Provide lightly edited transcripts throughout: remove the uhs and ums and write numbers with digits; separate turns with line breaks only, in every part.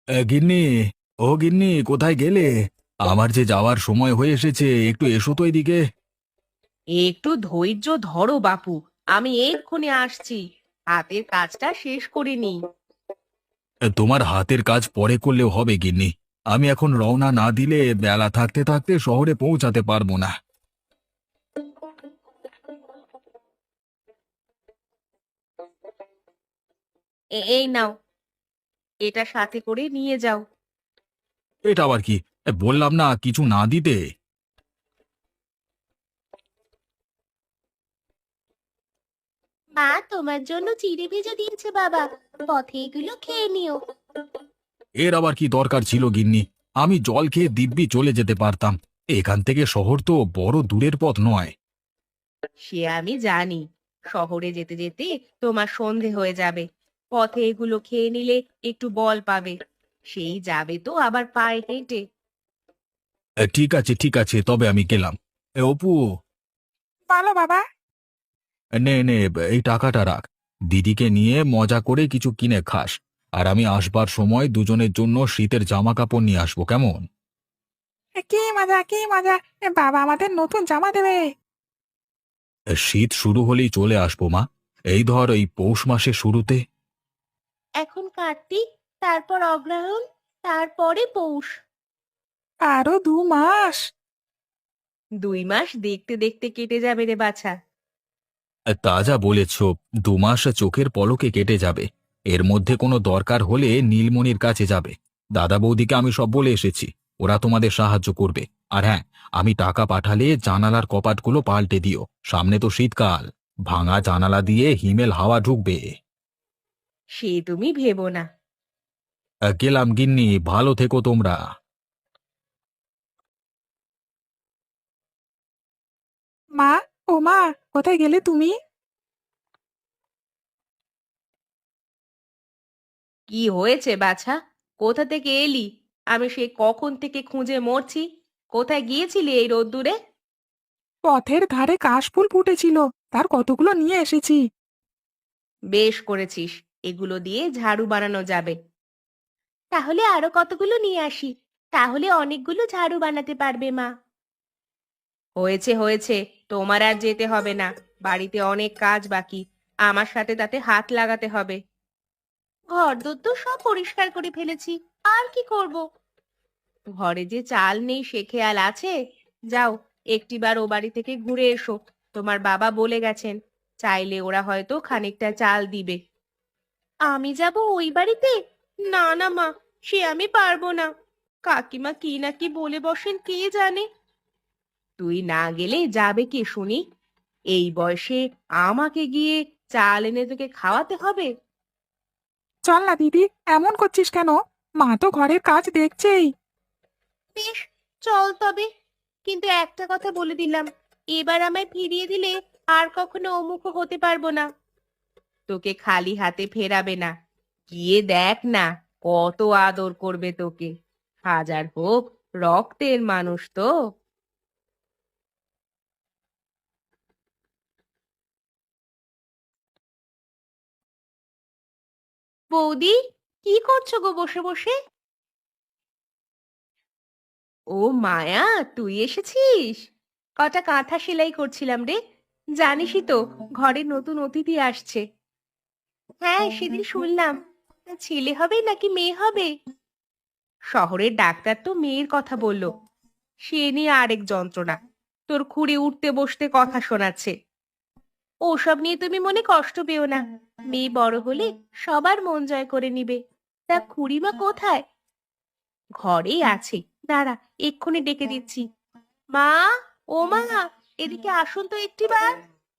গিন্নি, ও গিন্নি, কোথায় গেলে? আমার যে যাওয়ার সময় হয়ে এসেছে, একটু এসো তো এদিকে।
একটু ধৈর্য ধরো বাপু, আমি এক্ষুনি আসছি। হাতের কাজটা শেষ করে নি।
তোমার হাতের কাজ পরে করলেও হবে গিন্নি। আমি এখন রওনা না দিলে বেলা থাকতে থাকতে শহরে পৌঁছাতে পারবো না।
এই নাও, এটা সাথে করে নিয়ে যাও।
এটা আবার কি? বললাম না কিছু না দিতে।
মা তোমার জন্য চিড়ে ভেজে দিয়েছে বাবা, পথে এগুলো খেয়ে নিও।
এর আবার কি দরকার ছিল গিন্নি? আমি জল খেয়ে দিব্যি চলে যেতে পারতাম। এখান থেকে শহর তো বড় দূরের পথ নয়।
সে আমি জানি, শহরে যেতে যেতে তোমার সন্ধে হয়ে যাবে। পথে এগুলো খেয়ে নিলে একটু বল পাবে। সেই যাবে তো আবার পায়ে হেঁটে।
ঠিক আছে ঠিক আছে, তবে আমি গেলাম। অপু,
বলো বাবা।
নে নে, এই টাকাটা রাখ। দিদিকে নিয়ে মজা করে কিছু কিনে খাস। আর আমি আসবার সময় দুজনের জন্য শীতের জামা কাপড় নিয়ে আসবো, কেমন?
কি মজা কি মজা! বাবা আমাদের নতুন জামা দেবে।
শীত শুরু হলেই চলে আসবো মা। এই ধর এই পৌষ মাসের শুরুতে।
এখন কার্তিক, তারপর অগ্রহায়ণ, তারপরে পৌষ।
আরো 2 মাস।
2 মাস দেখতে দেখতে কেটে যাবে রে বাছা।
তা যা বলেছ, 2 মাস চোখের পলকে কেটে যাবে। এর মধ্যে কোনো দরকার হলে নীলমণির কাছে যাবে। দাদা বৌদিকে আমি সব বলে এসেছি। ওরা তোমাদের সাহায্য করবে। আর হ্যাঁ, আমি টাকা পাঠালে জানালার কপাটগুলো পাল্টে দিও। সামনে তো শীতকাল। ভাঙা জানালা দিয়ে হিমেল হাওয়া ঢুকবে।
সে তুমি ভেবো না।
গেলাম গিন্নি, ভালো থেকো তোমরা।
মা, ও মা, কোথায় গেলে তুমি?
কি হয়েছে বাছা? কোথা থেকে এলি? আমি সেই কখন থেকে খুঁজে মরছি। কোথায় গিয়েছিলি এই রোদ্দুরে?
পথের ধারে কাশফুল ফুটেছিল, তার কতগুলো নিয়ে এসেছি।
বেশ করেছিস, এগুলো দিয়ে ঝাড়ু বানানো যাবে। তাহলে আরো কতগুলো নিয়ে আসি, তাহলে অনেকগুলো ঝাড়ু বানাতে পারবে মা। হয়েছে হয়েছে, তোমার আর যেতে হবে না। বাড়িতে অনেক কাজ বাকি, আমার সাথে তাতে হাত লাগাতে হবে। ঘরদোর তো সব পরিষ্কার করে ফেলেছি, আর কি করব? ঘরে যে চাল নেই সে খেয়াল আছে? যাও, একটিবার ও বাড়ি থেকে ঘুরে এসো। তোমার বাবা বলে গেছেন, চাইলে ওরা হয়তো খানিকটা চাল দিবে। আমি যাব ওই বাড়িতে? না না মা, সে আমি পারবো না। কাকিমা কি না কি বলে বসেন কে জানে। তুই না গেলে যাবে কে শুনি? এই বয়সে আমাকে গিয়ে চাল এনে তোকে খাওয়াতে হবে?
চল না দিদি, এমন করছিস কেন? মা তো ঘরের কাজ দেখছেই।
বেশ, চল তবে। কিন্তু একটা কথা বলে দিলাম, এবার আমায় ফিরিয়ে দিলে আর কখনো অমুখ হতে পারবো না। তোকে খালি হাতে ফেরাবে না। গিয়ে দেখ না, কত আদর করবে তোকে। হাজার হোক, রক্তের মানুষ তো। বৌদি, কি করছো গো বসে বসে? ও মায়া, তুই এসেছিস? কটা কাঁথা সেলাই করছিলাম রে। জানিসই তো, ঘরে নতুন অতিথি আসছে। হ্যাঁ, সেদিন শুনলাম। তা ছেলে হবে নাকি মেয়ে হবে? শহরের ডাক্তার তো মেয়ের কথা বলল। সে নিয়ে আরেক যন্ত্রণা। তোর খুঁড়ি উঠতে বসতে কথা শোনাচ্ছে। ওসব নিয়ে তুমি মনে কষ্ট পেও না। মেয়ে বড় হলে সবার মন জয় করে নিবে। তা খুড়িমা কোথায়? ঘরেই আছে। দাঁড়া, এক্ষুনি ডেকে দিচ্ছি। মা, ও মা, এদিকে আসুন তো একটিবার।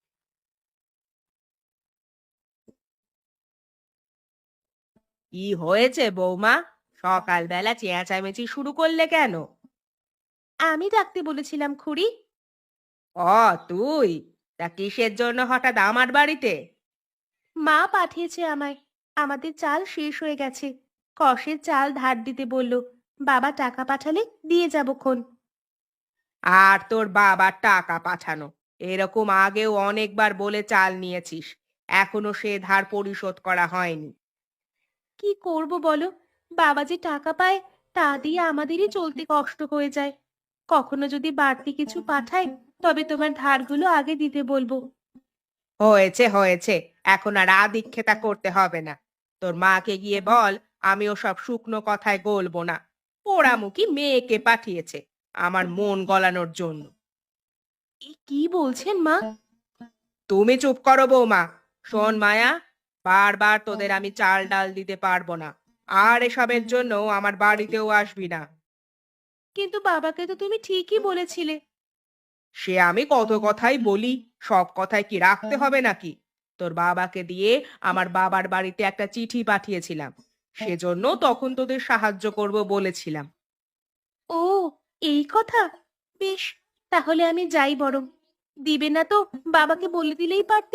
কি হয়েছে বৌমা? সকালবেলা চেঁচামেচি শুরু করলে কেন? আমি ডাকতে বলেছিলাম খুড়ি। ও, তুই? তা কিসের জন্য হঠাৎ আমার বাড়িতে? মা পাঠিয়েছে আমায়। আমাদের চাল শেষ হয়ে গেছে। কষের চাল ধার দিতে বলল। বাবা টাকা পাঠালে দিয়ে যাবক্ষণ। আর তোর বাবার টাকা পাঠানো, এরকম আগেও অনেকবার বলে চাল নিয়েছিস। এখনো সে ধার পরিশোধ করা হয়নি। কি করব বলো? বাবা যে টাকা পায় তা দিয়ে আমাদেরই চলতে কষ্ট হয়ে যায়। কখনো যদি বাড়তি কিছু পাঠায় তবে তোমার ধারগুলো আগে দিতে বলবো। হয়েছে হয়েছে, এখন আর আদিক্ষেতা করতে হবে না। তোর মাকে গিয়ে বল আমি ওসব শুকনো কথায় গলবো না। পোড়ামুখী মেয়েকে পাঠিয়েছে আমার মন গলানোর জন্য। এ কি বলছেন মা? তুমি চুপ করো বৌমা। শোন মায়া, বারবার তোদের আমি চাল ডাল দিতে পারবো না, আর এসবের জন্য আমার বাড়িতেও আসবি না। কিন্তু বাবাকে তো তুমি ঠিকই বলেছিলে। সে আমি কত কথাই বলি, সব কথায় কি রাখতে হবে নাকি? তোর বাবাকে দিয়ে আমার বাবার বাড়িতে একটা চিঠি পাঠিয়েছিলাম, সেজন্য তখন তোদের সাহায্য করব বলেছিলাম। ও, এই কথা। বেশ, তাহলে আমি যাই বরং। দিবে না তো বাবাকে বলে দিলেই পারতে।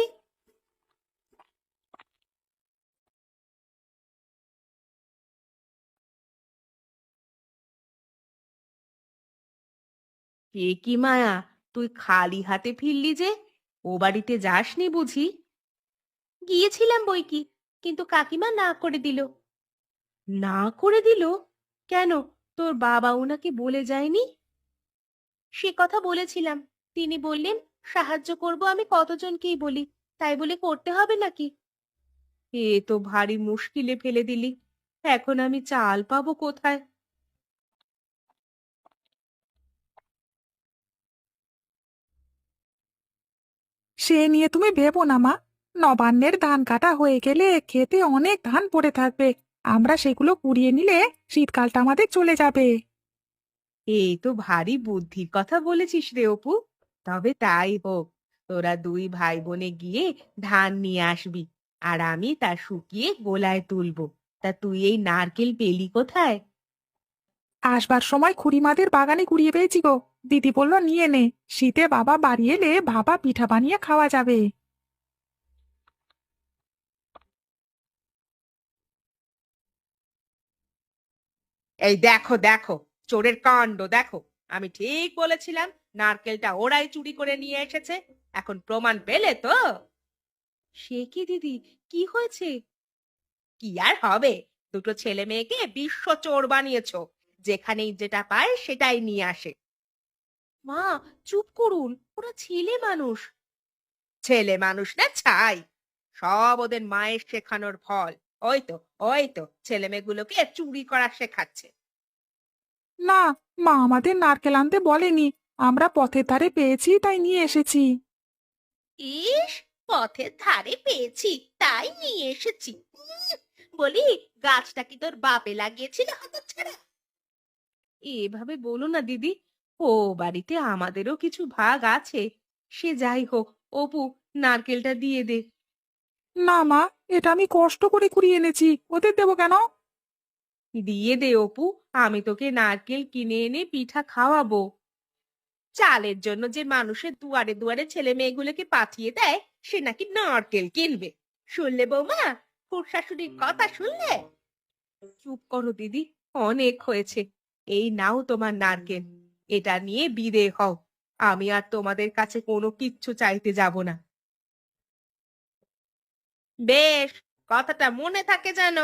এ কি মায়া, তুই খালি হাতে ফিরলি যে? ও বাড়িতে যাসনি বুঝি? গিয়েছিলাম বই কি, কিন্তু কাকিমা না করে দিল। না করে দিল? কেন, তোর বাবা ওনাকে বলে যায়নি? সে কথা বলেছিলাম, তিনি বললেন সাহায্য করব আমি কতজনকেই বলি, তাই বলে করতে হবে নাকি? এ তো ভারী মুশকিলে ফেলে দিলি। এখন আমি চাল পাবো কোথায়?
সে নিয়ে তুমি ভেবো না মা। নবান্নের ধান কাটা হয়ে গেলে খেতে অনেক ধান পড়ে থাকবে। আমরা সেগুলো কুড়িয়ে নিলে শীতকালটা আমাদের চলে যাবে।
এই তো ভারী বুদ্ধির কথা বলেছিস রে অপু। তবে তাই হোক, তোরা দুই ভাই বোনে গিয়ে ধান নিয়ে আসবি, আর আমি তা শুকিয়ে গোলায় তুলবো। তা তুই এই নারকেল পেলি কোথায়?
আসবার সময় খুড়িমাদের বাগানে কুড়িয়ে পেয়েছি গো। দিদি বলল নিয়ে নে, শীতে বাবা বাড়ি এলে ভাপা পিঠা বানিয়ে খাওয়া যাবে।
এই দেখো দেখো, চোরের কাণ্ড দেখো। আমি ঠিক বলেছিলাম নারকেলটা ওরাই চুরি করে নিয়ে এসেছে। এখন প্রমাণ পেলে তো? সে কি দিদি, কি হয়েছে? কি আর হবে, দুটো ছেলে মেয়েকে বিশ্ব চোর বানিয়েছো। যেখানেই যেটা পায় সেটাই নিয়ে আসে। মা, চুপ করুন, ওরা ছেলে মানুষ। ছেলে মানুষ না ছাই, সব ওদের মায়ের শেখানোর ফল। ওই তো, ওই তো ছেলে মেয়েগুলোকে চুরি করা শেখাচ্ছে।
না, মা আমাদের নারকেল আনতে বলেনি। আমরা পথের ধারে পেয়েছি তাই নিয়ে এসেছি।
ইস, পথের ধারে পেয়েছি তাই নিয়ে এসেছি। বলি, গাছটা কি তোর বাপে লাগিয়েছিল হতচ্ছাড়া? এভাবে বলো না দিদি, ও বাড়িতে আমাদেরও কিছু ভাগ আছে। সে যাই হোক, অপু, নারকেলটা দিয়ে দে।
না মা, এটা আমি কষ্ট করে কুড়িয়ে এনেছি, ওদের দেবো কেন?
দিয়ে দে অপু, আমি তোকে নারকেল কিনে এনে পিঠা খাওয়াবো। চালের জন্য যে মানুষের দুয়ারে দুয়ারে ছেলে মেয়েগুলোকে পাঠিয়ে দেয়, সে নাকি নারকেল কিনবে। শুনলে বৌমা, খুড় শাশুড়ির কথা শুনলে? চুপ করো দিদি, অনেক হয়েছে। এই নাও তোমার নারকেল, এটা নিয়ে বিদে হও। আমি আর তোমাদের কাছে কোনো কিচ্ছু চাইতে যাব না। বেশ, কথাটা মনে থাকে যেন।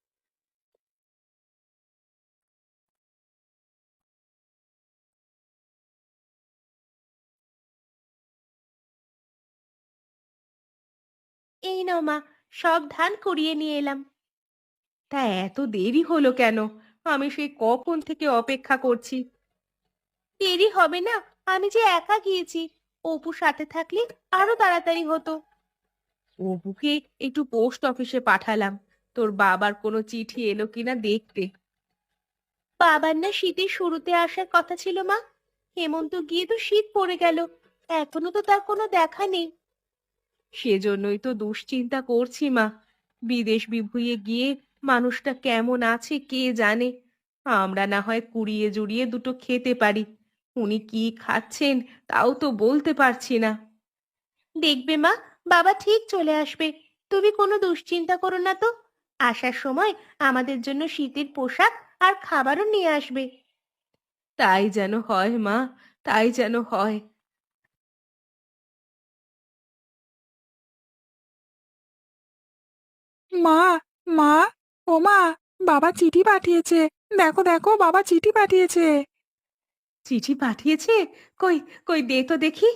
এই নাও মা, সব ধান কুড়িয়ে নিয়ে এলাম। তা এত দেরি হলো কেন? আমি সেই কখন থেকে অপেক্ষা করছি। দেরি হবে না, আমি যে একা গিয়েছি। অপু সাথে থাকলে আরো তাড়াতাড়ি হতো। অপুকে একটু পোস্ট অফিসে পাঠালাম, তোর বাবার কোনো চিঠি এলো কিনা দেখতে। বাবার না শীতের শুরুতে আসার কথা ছিল মা। হেমন্ত গিয়ে তো শীত পড়ে গেল, এখনো তো তার কোনো দেখা নেই। সেজন্যই তো দুশ্চিন্তা করছি মা। বিদেশ বিভুঁইয়ে গিয়ে মানুষটা কেমন আছে কে জানে। আমরা না হয় কুড়িয়ে জুড়িয়ে দুটো খেতে পারি, উনি কি খাচ্ছেন তাও তো বলতে পারছি না। দেখবে মা, বাবা ঠিক চলে আসবে। তুমি কোনো দুশ্চিন্তা করো না তো। আসার সময় আমাদের জন্য শীতের পোশাক আর খাবারও নিয়ে আসবে। তাই যেন হয় মা, তাই যেন হয়।
মা, মা, ও মা, বাবা চিঠি পাঠিয়েছে। দেখো দেখো, বাবা চিঠি পাঠিয়েছে।
চিঠি পাঠিয়েছে? কই কই দে তো দেখি।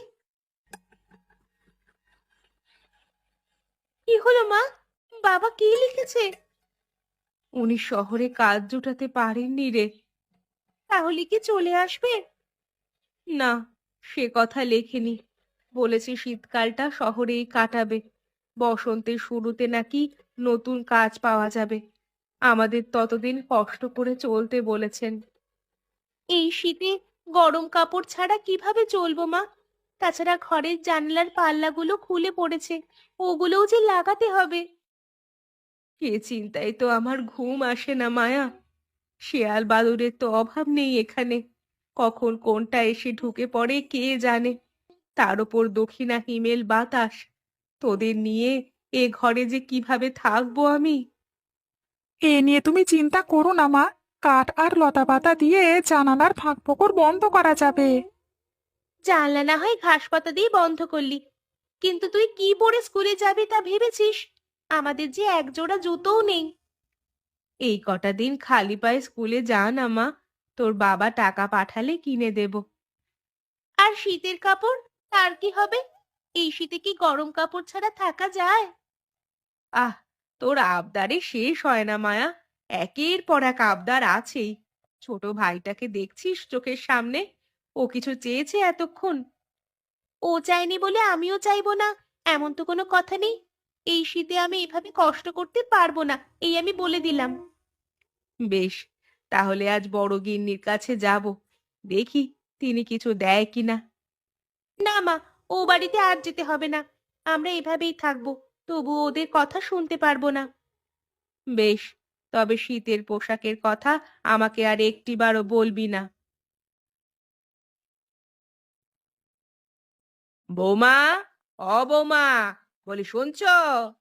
কি হলো মা? বাবা কি লিখেছে? উনি শহরে কাজ জোটাতে পারেননি রে। তাহলে কি চলে আসবে? না, সে কথা লেখেনি। বলেছে শীতকালটা শহরেই কাটাবে। বসন্তের শুরুতে নাকি নতুন কাজ পাওয়া যাবে। আমাদের ততদিন কষ্ট করে চলতে বলেছেন। এই শীতে গরম কাপড় ছাড়া কিভাবে চলবো মা? তাছাড়া ঘরের জানলার পাল্লাগুলো খুলে পড়েছে, ওগুলোও যে লাগাতে হবে। এ চিন্তায় তো আমার ঘুম আসে না মায়া। শেয়াল বাদুড়ের তো অভাব নেই এখানে। কখন কোনটা এসে ঢুকে পড়ে কে জানে। তার উপর দক্ষিণা হিমেল বাতাস। তোদের নিয়ে এ ঘরে যে কিভাবে থাকবো আমি।
এ নিয়ে তুমি চিন্তা করো না মা। কাঠ আর লতাপাতা দিয়ে জানালার ফাঁক ফোকর বন্ধ করা যাবে।
জানলা না হয় ঘাস পাতা দিয়ে বন্ধ করলি, কিন্তু তুই কি পরে স্কুলে যাবি তা ভেবেছিস? আমাদের যে এক জোড়া জুতোও নেই। এই কটা দিন খালি পায়ে স্কুলে যা না মা, তোর বাবা টাকা পাঠালে কিনে দেব। আর শীতের কাপড়, তার কি হবে? এই শীতে কি গরম কাপড় ছাড়া থাকা যায়? আহ, তোর আবদারে শেষ হয় না মায়া। একের পর এক আবদার আছেই। ছোট ভাইটাকে দেখছিস চোখের সামনে? ও কিছু চেয়েছে এতক্ষণ? ও চায়নি বলে আমিও চাইবো না, এমন তো কোনো কথা নেই। এই শীতে আমি এভাবে কষ্ট করতে পারবো না, এই আমি বলে দিলাম। বেশ, তাহলে আজ বড় গিন্নির কাছে যাব। দেখি তিনি কিছু দেয় কিনা। না মা, ও বাড়িতে আর যেতে হবে না। আমরা এভাবেই থাকবো, তবু ওদের কথা শুনতে পারবো না। বেশ, তবে শীতের পোশাকের কথা আমাকে আর একটিবারও বলবি না। বৌমা, ও বৌমা, বলি শুনছো?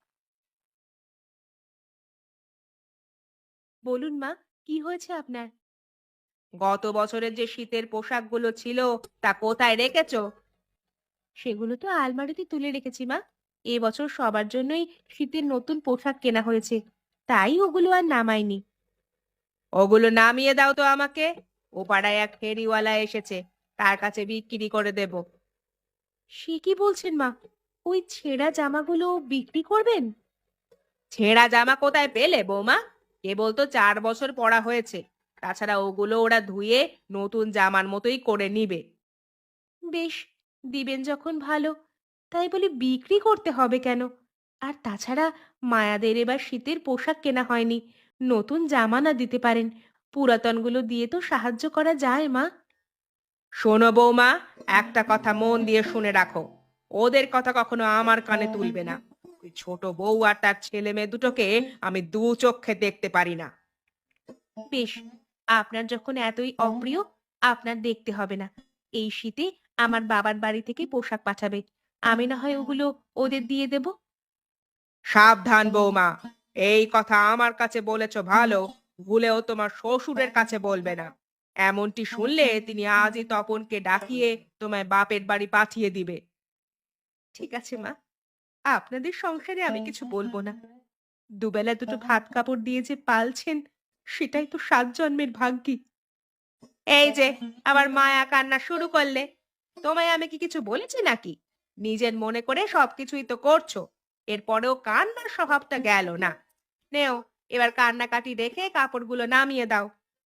বলুন মা, কি হয়েছে আপনার? গত বছরের যে শীতের পোশাকগুলো ছিল তা কোথায় রেখেছো? সেগুলো তো আলমারিতে তুলে রেখেছি মা। এবছর সবার জন্যই শীতের নতুন পোশাক কেনা হয়েছে, তাই ওগুলো আর নামাইনি। ওগুলো নামিয়ে দাও তো আমাকে। ও পাড়ায় এক ফেরিওয়ালা এসেছে, তার কাছে বিক্রি করে দেব। সে কি বলছেন মা? ওই ছেঁড়া জামাগুলো বিক্রি করবেন? ছেঁড়া জামা কোথায় পেলে বৌমা? কেবল তো 4 বছর পরা হয়েছে। তাছাড়া ওগুলো ওরা ধুয়ে নতুন জামার মতোই করে নিবে। বেশ, দিবেন যখন ভালো। তাই বলি বিক্রি করতে হবে কেন? আর তাছাড়া মায়াদের এবার শীতের পোশাক কেনা হয়নি। নতুন জামা না দিতে পারেন, পুরাতনগুলো দিয়ে তো সাহায্য করা যায় মা। শোনো বৌমা, একটা কথা মন দিয়ে শুনে রাখো। ওদের কথা কখনো আমার কানে তুলবে না। ওই ছোট বউ আর তার ছেলে মেয়ে দুটোকে আমি দু চোখে দেখতে পারি না। বেশ, আপনার যখন এতই অপ্রিয়, আপনার দেখতে হবে না। এই শীতে আমার বাবার বাড়ি থেকে পোশাক পাঠাবে, আমি না হয় ওগুলো ওদের দিয়ে দেব। সাবধান বৌমা, এই কথা আমার কাছে বলেছ ভালো, ভুলেও তোমার শ্বশুরের কাছে বলবে না। এমনটি শুনলে তিনি আজই তপনকে ডাকিয়ে তোমায় বাপের বাড়ি পাঠিয়ে দিবে। ঠিক আছে মা, আপনাদের সংসারে আমি কিছু বলবো না। দুবেলা দুটো ভাত কাপড় দিয়ে যে পালছেন, সেটাই তো 7 জন্মের ভাগ্যি। এই যে আবার মায়া কান্না শুরু করলে। তোমায় আমি কি কিছু বলেছি নাকি? নিজের মনে করে সবকিছুই তো করছো, এরপরেও কান্নার স্বভাবটা গেল না। নেও, এবার কান্নাকাটি রেখে কাপড়গুলো নামিয়ে দাও।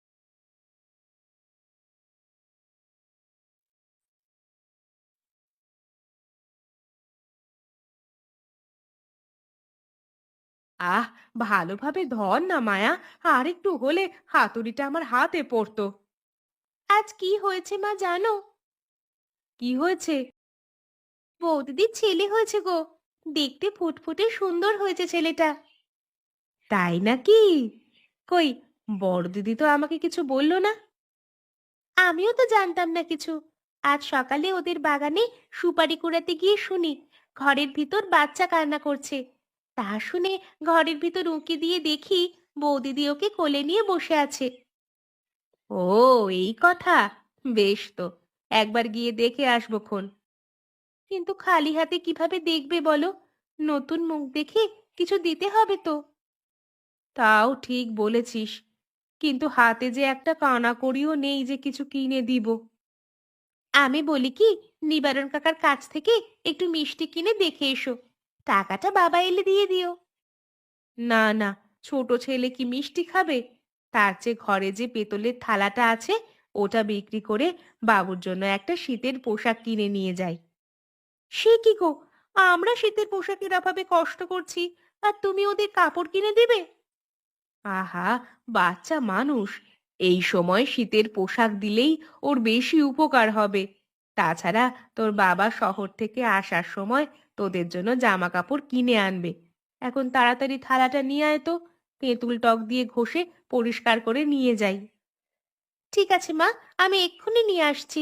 আহ, ভালোভাবে ধর না মায়া। আর একটু হলে হাতুড়িটা আমার হাতে পড়তো। আজ কি হয়েছে মা জানো? কি হয়েছে? বৌদিদির ছেলে হয়েছে গো। দেখতে ফুটফুটে সুন্দর হয়েছে ছেলেটা। তাই নাকি? কই, বড় দিদি তো আমাকে কিছু বললো না। আমিও তো জানতাম না কিছু। আজ সকালে ওদের বাগানে সুপারি কুড়াতে গিয়ে শুনি ঘরের ভিতর বাচ্চা কান্না করছে। তা শুনে ঘরের ভিতর উঁকি দিয়ে দেখি বৌদিদি ওকে কোলে নিয়ে বসে আছে। ও, এই কথা। বেশ তো, একবার গিয়ে দেখে আসবো খন। কিন্তু খালি হাতে কিভাবে দেখবে বলো? নতুন মুখ দেখে কিছু দিতে হবে তো। তাও ঠিক বলেছিস, কিন্তু হাতে যে একটা কানাকড়িও নেই যে কিছু কিনে দিব। আমি বলি কি, নিবারণ কাকার কাছ থেকে একটু মিষ্টি কিনে দেখে এসো, টাকাটা বাবা এলে দিয়ে দিও। না না, ছোট ছেলে কি মিষ্টি খাবে? তার চেয়ে ঘরে যে পেতলের থালাটা আছে ওটা বিক্রি করে বাবুর জন্য একটা শীতের পোশাক কিনে নিয়ে যাই। সে কি গো, আমরা শীতের পোশাকের অভাবে কষ্ট করছি আর তুমি ওদের কাপড় কিনে দেবে? আহা, বাচ্চা মানুষ, এই সময় শীতের পোশাক দিলেই ওর বেশি উপকার হবে। তাছাড়া তোর বাবা শহর থেকে আসার সময় তোদের জন্য জামা কাপড় কিনে আনবে। এখন তাড়াতাড়ি থালাটা নিয়ে আয় তো, তেঁতুল টক দিয়ে ঘষে পরিষ্কার করে নিয়ে যাই। ঠিক আছে মা, আমি এক্ষুনি নিয়ে আসছি।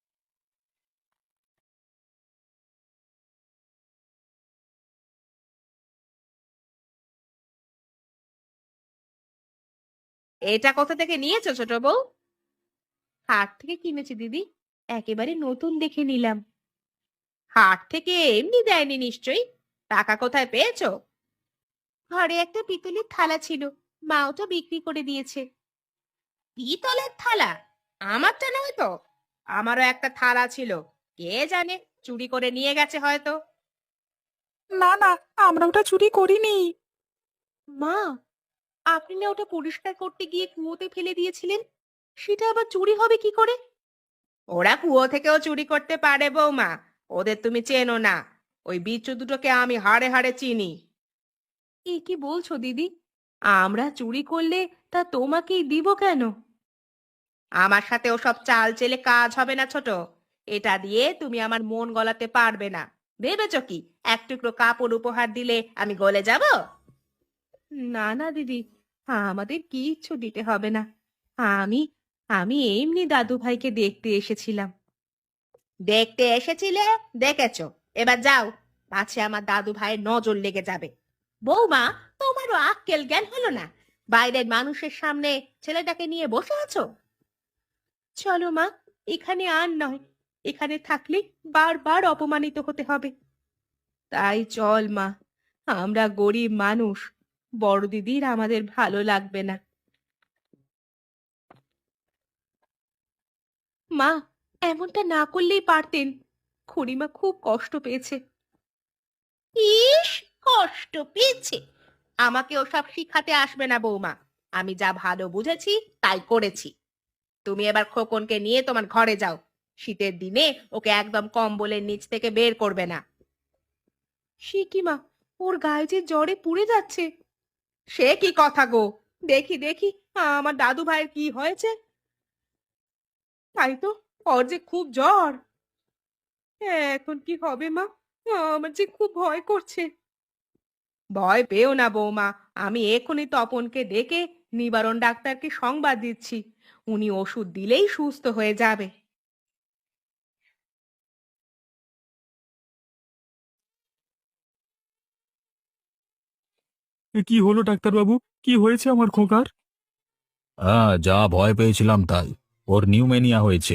এটা কোথা থেকে নিয়েছো ছোট বউ? হাট থেকে কিনেছি দিদি, একেবারে নতুন দেখে নিলাম। হাট থেকে এমনি দেয়নি নিশ্চয়ই, টাকা কোথায় পেয়েছো? ঘরে একটা পিতলের থালা ছিল, মা ওটা বিক্রি করে দিয়েছে। পিতলের থালা? আমারটা নয় তো, আমারও একটা থালা ছিল, কে জানে চুরি করে নিয়ে গেছে হয়তো।
না না, আমরা ওটা চুরি করিনি।
মা, আপনি না ওটা পরিষ্কার করতে গিয়ে কুয়োতে ফেলে দিয়েছিলেন, সেটা আবার চুরি হবে কি করে? ওরা কুয়ো থেকেও চুরি করতে পারে বৌমা, ওদের তুমি চেনো না। ওই বিচ্ছু দুটোকে আমি হাড়ে হাড়ে চিনি। এ কি বলছো দিদি? আমরা চুরি করলে তা তোমাকেই দিব কেন? আমার সাথে ওসব চাল চেলে কাজ হবে না ছোট। এটা দিয়ে তুমি আমার মন গলাতে পারবে না। ভেবেছো কি এক টুকরো কাপড় উপহার দিলে আমি গলে যাব? না না দিদি, আমাদের কিচ্ছু দিতে হবে না। আমি আমি এমনি দাদু ভাইকে দেখতে এসেছিলাম। দেখতে এসেছিলে, দেখেছো, এবার যাও, পাছে আমার দাদু ভাইয়ের নজর লেগে যাবে। বৌমা, তোমারও আক্কেল জ্ঞান হলো না? বাইরের মানুষের সামনে ছেলেটাকে নিয়ে বসে আছো। চলো মা, এখানে আর নয়, এখানে থাকলে বারবার অপমানিত হতে হবে। তাই চল মা, আমরা গরিব মানুষ, বড় দিদির আমাদের ভালো লাগবে না। মা, এমনটা না করলেই পারতেন, খুড়িমা খুব কষ্ট পেয়েছে। ইস, কষ্ট পেয়েছে? আমাকে ওসব শিখাতে আসবে না বৌমা, আমি যা ভালো বুঝেছি তাই করেছি। তুমি এবার খোকনকে নিয়ে তোমার ঘরে যাও, শীতের দিনে ওকে একদম কম্বলের নিচ থেকে বের করবে না। সে কি মা, ওর গায়ে যে জ্বরে পুড়ে যাচ্ছে। সে কি কথা গো, দেখি দেখি আমার দাদু ভাইয়ের কি হয়েছে। তাই তো, ওর যে খুব জ্বর। এখন কি হবে মা, আমার যে খুব ভয় করছে। ভয় পেও না বৌমা, আমি এখনই তপনকে ডেকে নিবারণ ডাক্তারকে সংবাদ দিচ্ছি, উনি ওষুধ দিলেই সুস্থ হয়ে যাবে।
কি হলো ডাক্তারবাবু? কি হয়েছে আমার খোকার?
হ্যাঁ, যা ভয় পেয়েছিলাম তাই, ওর নিউমেনিয়া হয়েছে।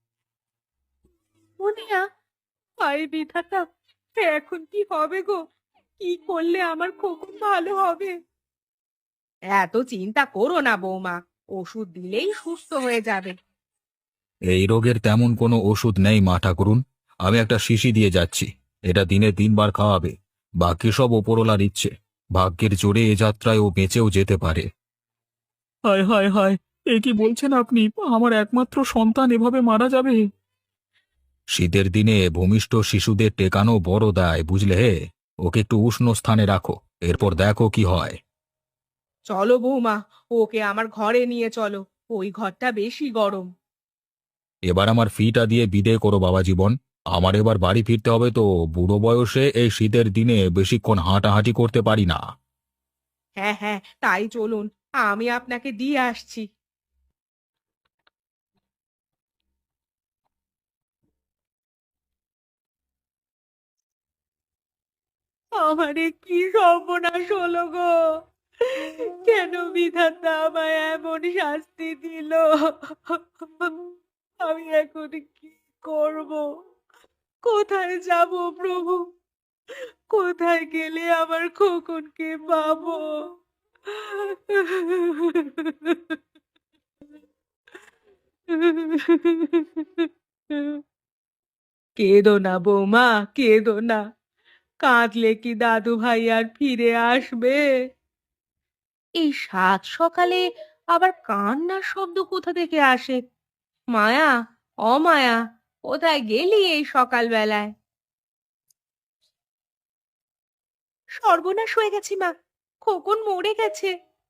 মুনিয়া, হায় বিধাতা, এখন কি হবে গো? কি করলে আমার খোকন ভালো হবে? এত চিন্তা করো না বৌমা, ওষুধ দিলেই সুস্থ হয়ে যাবে।
এই রোগের তেমন কোনো ওষুধ নেই মা ঠাকুরুন। আমি একটা শিশি দিয়ে যাচ্ছি, এটা দিনে 3 বার খাওয়াবে। বাকি সব ওপরওয়ালার ইচ্ছে, ভাগ্যের জোরে এ যাত্রায় ও বেঁচেও যেতে পারে।
হায় হায় হায়, এ কি বলছেন আপনি? আমার একমাত্র সন্তান এভাবে মারা যাবে?
শীতের দিনে ভূমিষ্ঠ শিশুদের টেকানো বড় দায়, বুঝলে হে। ওকে একটু উষ্ণ স্থানে রাখো, এরপর দেখো কি হয়।
চলো বৌমা, ওকে আমার ঘরে নিয়ে চলো, ওই ঘরটা বেশি গরম।
এবার আমার ফিটা দিয়ে বিদে করো বাবা জীবন। আমার এবার বাড়ি ফিরতে হবে তো, বুড়ো বয়সে এই শীতের দিনে বেশিক্ষণ হাঁটাহাঁটি করতে পারি না।
হ্যাঁ হ্যাঁ, তাই চলুন, আমি আপনাকে দিয়ে আসছি। আমারে কি সর্বনাশ হলো গো, কেন বিধাতা আমায় এমন শাস্তি দিল? আমি এখন কি করব? কোথায় যাব প্রভু? কোথায় গেলে আমার খোকনকে পাবো? কেঁদো না বৌমা, কেঁদো না। কাঁদলে কি দাদু ভাই আর ফিরে আসবে? এই সাত সকালে আবার কান্নার শব্দ কোথা থেকে আসে? মায়া, অমায়া, কোথায় গেলি এই সকালবেলায়? সর্বনাশ হয়ে গেছে মা, খোকন মরে গেছে।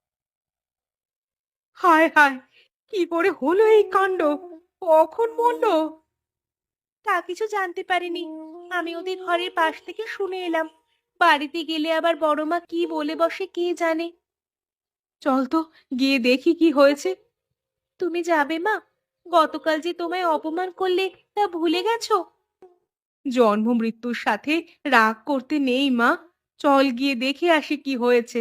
হায় হায়, কি করে হলো এই কাণ্ড? কখন মরলো? তা কিছু জানতে পারিনি। আমি ওদের ঘরের পাশ থেকে শুনে এলাম। বাড়িতে গেলে আবার বড় মা কি বলে বসে কে জানে। চল তো, গিয়ে দেখি কি হয়েছে। তুমি যাবে মা? গতকাল যে তোমায় অপমান করলে তা ভুলে গেছো? জন্ম মৃত্যুর সাথে রাগ করতে নেই মা। চল গিয়ে দেখে আসি কি হয়েছে।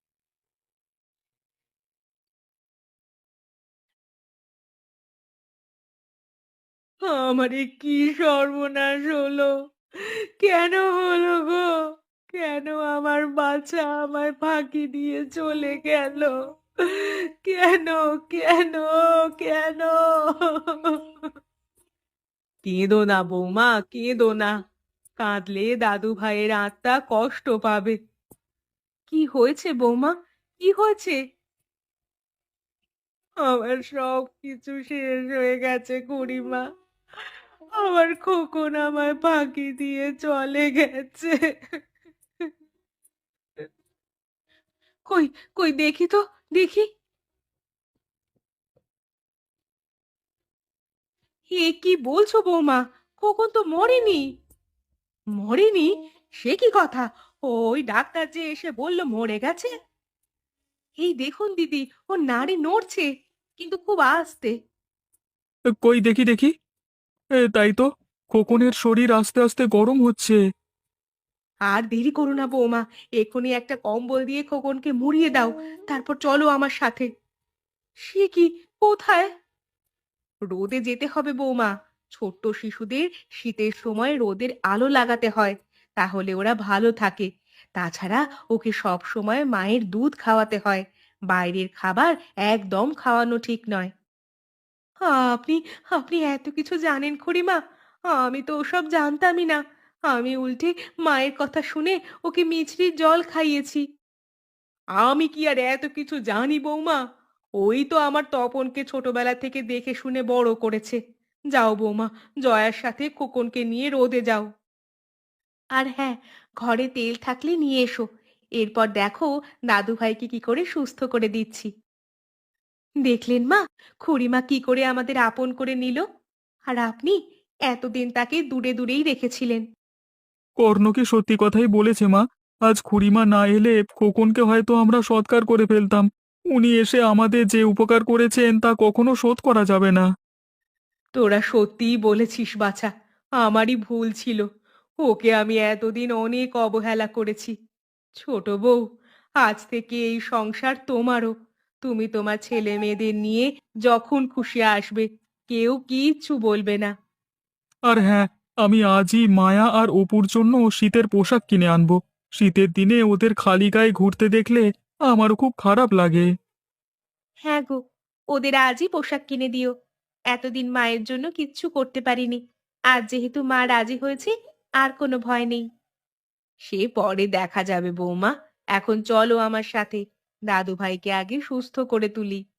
আমারে কি সর্বনাশ হলো! কেন হলো গো? কেন আমার বাচ্চা আমায় ফাঁকি দিয়ে চলে গেল? কেন, কেন, কেন? কেঁদো না বৌমা, কেঁদো না। কাঁদলে দাদু ভাইয়ের আত্মা কষ্ট পাবে। কি হয়েছে বৌমা, কি হয়েছে? আমার সব কিছু শেষ হয়ে গেছে খুড়িমা। আমার খোকন আমায় ফাঁকি দিয়ে চলে গেছে। কই, কই দেখি তো, দেখি। এ কি বলছো বৌমা? খোকন তো মরেনি। মরেনি? সে কি কথা? ওই ডাক্তার যে এসে বলল মরে গেছে। এই দেখুন দিদি, ও নাড়ি নড়ছে, কিন্তু খুব আস্তে।
কই দেখি দেখি। তাই তো, খোকনের শরীর আস্তে আস্তে গরম হচ্ছে।
আর দেরি করো না বৌমা, এক্ষুনি একটা কম্বল দিয়ে খোকনকে মুড়িয়ে দাও, তারপর চলো আমার সাথে। সে কি, কোথায়? রোদে যেতে হবে বৌমা। ছোট্ট শিশুদের শীতের সময় রোদের আলো লাগাতে হয়, তাহলে ওরা ভালো থাকে। তাছাড়া ওকে সব সময় মায়ের দুধ খাওয়াতে হয়। বাইরের খাবার একদম খাওয়ানো ঠিক নয়। আপনি আপনি এত কিছু জানেন খুড়িমা? আমি তো ওসব জানতামই না। আমি উল্টে মায়ের কথা শুনে ওকে মিছরির জল খাইয়েছি। আমি কি আর এত কিছু জানি বৌমা? ওই তো আমার তপনকে ছোটবেলা থেকে দেখে শুনে বড় করেছে। যাও বৌমা, জয়ার সাথে খোকনকে নিয়ে রোদে যাও। আর হ্যাঁ, ঘরে তেল থাকলে নিয়ে এসো। এরপর দেখো দাদু ভাইকে কি করে সুস্থ করে দিচ্ছি। দেখলেন মা, খুড়িমা কি করে আমাদের আপন করে নিল। আর আপনি এতদিন তাকে দূরে দূরেই রেখেছিলেন।
কর্ণ কি সত্যি কথাই বলেছে মা। আজ খুড়িমা না এলে খোকনকে হয়তো আমরা সৎকার করে ফেলতাম। উনি এসে আমাদের যে উপকার করেছেন তা কখনো শোধ করা যাবে না।
তোরা সত্যিই বলেছিস বাছা, আমারই ভুল ছিল। ওকে আমি এতদিন অনেক অবহেলা করেছি। ছোট বউ, আজ থেকে এই সংসার তোমারও। তুমি তোমার ছেলে মেয়েদের নিয়ে যখন খুশি আসবে, কেউ কিচ্ছু বলবে না।
আর হ্যাঁ, আমি আজই মায়া আর অপুর জন্য শীতের পোশাক কিনে আনবো। শীতের দিনে ওদের খালি গায়ে ঘুরতে দেখলে আমারও খুব খারাপ লাগে।
হ্যাঁ গো, ওদের আজই পোশাক কিনে দিও। এতদিন মায়ের জন্য কিচ্ছু করতে পারিনি। আজ যেহেতু মা রাজি হয়েছে, আর কোনো ভয় নেই। সে পরে দেখা যাবে বৌমা। এখন চলো আমার সাথে, দাদু ভাইকে আগে সুস্থ করে তুলি।